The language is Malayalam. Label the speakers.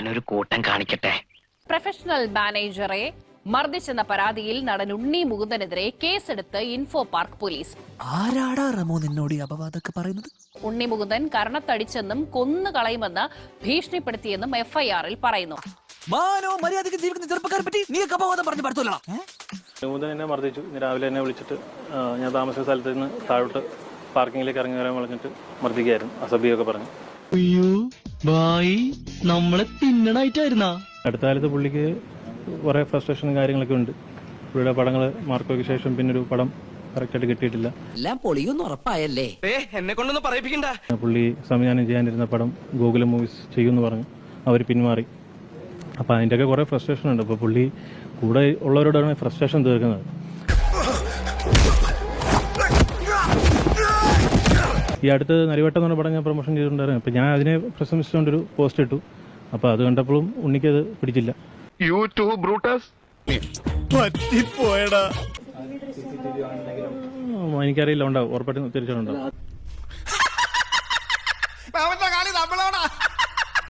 Speaker 1: ഞാനൊരു കൂട്ടം കാണിക്കട്ടെ.
Speaker 2: പ്രൊഫഷണൽ മാനേജറെ മർദ്ദിച്ചെന്ന പരാതിയിൽ നടൻ ഉണ്ണി മുകുന്ദനെതിരെ കേസെടുത്ത് ഇൻഫോ പാർക്ക് പോലീസ്.
Speaker 3: ആരാടാ റമോ നിന്നോട് അപവാദമൊക്കെ പറയുന്നത്?
Speaker 2: ഉണ്ണി മുകുന്ദൻ കർണത്തടിച്ചെന്നും കൊന്നു കളയുമെന്ന് ഭീഷണിപ്പെടുത്തിയെന്നും എഫ്ഐആറിൽ പറയുന്നു.
Speaker 3: മാനോ മര്യാദയ്ക്ക് ജീവിക്കുന്ന ചെറുപ്പക്കാരെ പറ്റി നീ അപവാദം പറഞ്ഞു പറ്റൂല.
Speaker 4: മുകുന്ദൻ എന്നെ മർദ്ദിച്ചു. രാവിലെ എന്നെ വിളിച്ചിട്ട് ഞാൻ താമസിച്ച സ്ഥലത്ത് നിന്ന് താഴോട്ട് പാർക്കിങ്ങിലേക്ക് ഇറങ്ങി വരാൻ വിളിച്ചിട്ട് മർദ്ദിക്കായിരുന്നു. അസഭ്യമൊക്കെ പറഞ്ഞു.
Speaker 5: അയ്യോ ഭായി നമ്മളെ തിന്നണായിട്ടായിരുന്നാ.
Speaker 4: അടുത്ത കാലത്ത് പുള്ളിക്ക് കുറെ ഫ്രസ്ട്രേഷനും കാര്യങ്ങളൊക്കെ ഉണ്ട്. പുള്ളിയുടെ പടങ്ങൾ മാർക്കോയ്ക്ക് ശേഷം പിന്നൊരു പടം കറക്റ്റായിട്ട് കിട്ടിയിട്ടില്ല.
Speaker 6: എല്ലാം പൊളിയൊന്നും ഉറപ്പായല്ലേ?
Speaker 7: എന്നെ കൊണ്ടൊന്നും പറയിപ്പിക്കണ്ട.
Speaker 4: പുള്ളി സംവിധാനം ചെയ്യാനിരുന്ന പടം ഗോകുലം മൂവീസ് ചെയ്യുമെന്ന് പറഞ്ഞു. അവർ പിന്മാറി. അപ്പോൾ അതിൻ്റെയൊക്കെ കുറേ ഫ്രസ്ട്രേഷൻ ഉണ്ട്. അപ്പോൾ പുള്ളി കൂടെ ഉള്ളവരോടാണ് ഫ്രസ്ട്രേഷൻ തീർക്കുന്നത്. ഈ അടുത്ത് നരിവട്ടം എന്ന് പറഞ്ഞ പടം ഞാൻ പ്രൊമോഷൻ ചെയ്തിട്ടുണ്ടായിരുന്നു. അപ്പോൾ ഞാൻ അതിനെ പ്രശംസിച്ചുകൊണ്ടൊരു പോസ്റ്റ് ഇട്ടു. അപ്പോൾ അത് കണ്ടപ്പോഴും ഉണ്ണിക്കത് പിടിച്ചില്ല. എനിക്കറിയില്ല, ഉണ്ടാവും, ഉറപ്പായിട്ടും തിരിച്ചുണ്ടാവും.